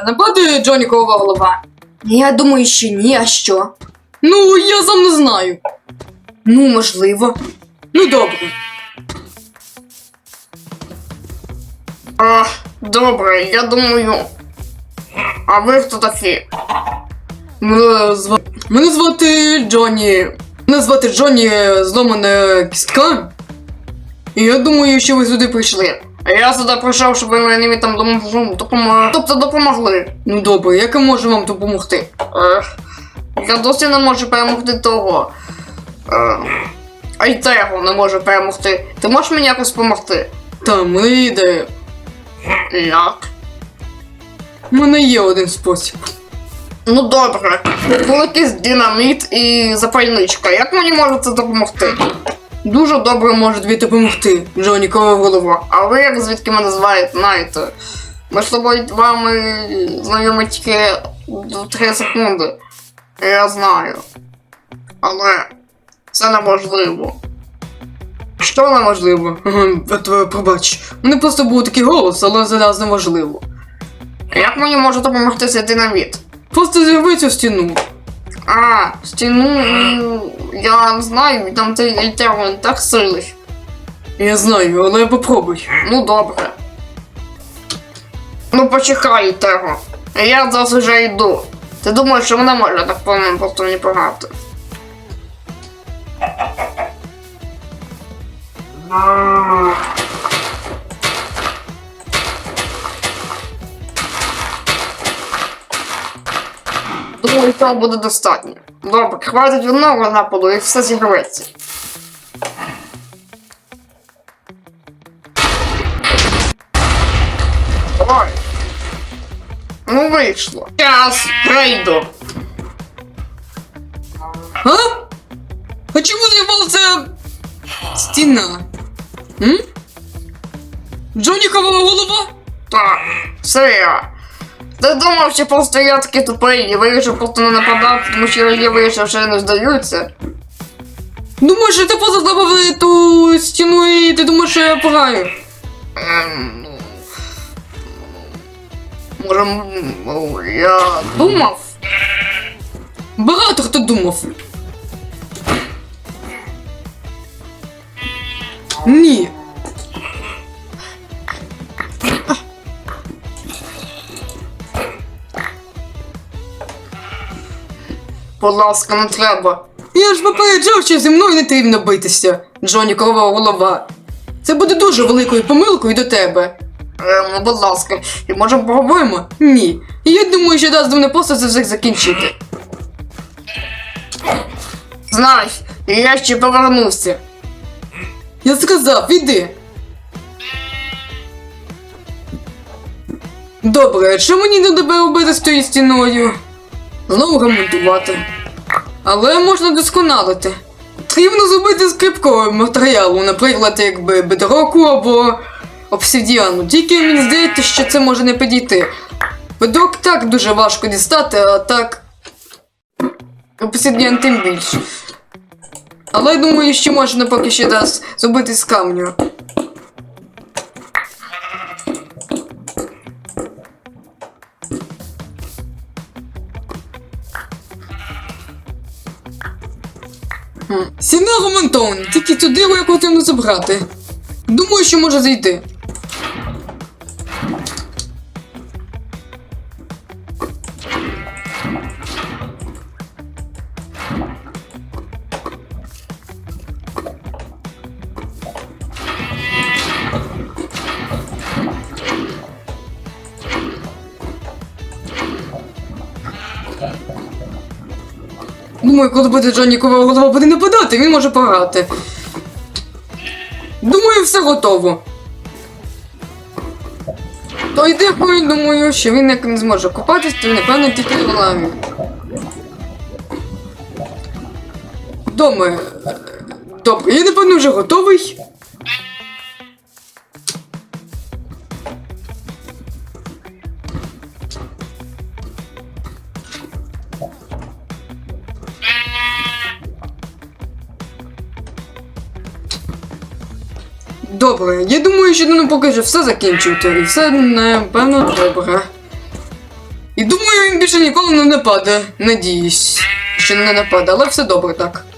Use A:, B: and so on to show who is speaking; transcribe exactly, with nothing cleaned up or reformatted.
A: нападе Джонікова голова?
B: Я думаю, що ні, а що?
A: Ну, я сам не знаю.
B: Ну, можливо.
A: Ну, добре.
C: А, добре, я думаю. А ви хто такі?
A: Мене звати, Мене звати Джонні. Мене звати Джонні зломана кістка. І я думаю, що ви сюди прийшли.
C: А я сюди прийшов, щоб ви мені там допом- допомогли. Тобто допомогли.
A: Ну добре, як я можу вам допомогти?
C: Ех, я досі не можу перемогти того. Е, а й того не можу перемогти. Ти можеш мені якось допомогти?
A: Та, в мене є ідея.
C: Як?
A: У мене є один спосіб.
C: Ну добре. Великий динаміт і запальничка. Як мені може це допомогти?
A: Дуже добре може тобі допомогти, Джонікова голова.
C: А ви як звідки мене зваєте, знаєте? Ми з тобою вами знайомі тільки три секунди. Я знаю. Але це неможливо.
A: Що неможливо? Ага, от, пробач. У мене просто був такий голос, але зараз неможливо.
C: Як мені може допомогти цей динаміт?
A: Просто зірви цю стіну.
C: А, стіну, ну, я не знаю, там цей альтерон так сильний.
A: Я знаю, але попробуй.
C: Ну добре. Ну почекай того. Я зараз вже йду. Ти думаєш, що вона може так по мене просто не погати? Думаю, цього буде достатньо. Добре, хватить одного нападу і все зігреться. Ой. Ну вийшло. Час, прийду.
A: А? А чому зірвалася стіна? М? Джонікова голова?
C: Так, все я. Ти думав, що просто я такий тупий і вирішив просто не нападати, тому що я вирішив, що не здаються?
A: Думаєш, що ти просто забавили ту стіну і ти думаєш, що я погаю?
C: Ем, ну... Може, м, ну, я думав?
A: Багато хто думав. Ні.
C: Будь ласка, не треба.
A: Я ж попереджав, що зі мною не потрібно битися, Джонікова голова. Це буде дуже великою помилкою до тебе.
C: Ем, ну, будь ласка, і можемо поговорити?
A: Поговоримо? Ні. І я думаю, що дасть мене просто це все закінчити.
C: Знаєш, я ще повернувся.
A: Я сказав, іди. Добре, що мені до тебе робити з тією стіною? Знову ремонтувати. Але можна досконалити. Потрібно зробити з кріпкого матеріалу, наприклад, якби бедроку або обсидіану. Тільки мені здається, що це може не підійти. Бедрок так дуже важко дістати, а так обсидіан тим більше. Але я думаю, що можна поки що дасть зробити з камню. Стіна ремонтована, тільки цю диру я потрібно забрати. Думаю, що може зайти. Думаю, коли буде Джонікова голова буде нападати, він може пограти. Думаю, все готово. То йде, думаю, що він як не зможе купатись, то напевно тільки в лаві. Дома. Добре, я напевно вже готовий. Добре, я думаю, що ну, поки що все закінчувати, і все, напевно, добре. І думаю, він більше ніколи не нападе. Надіюсь, що не нападе, але все добре так.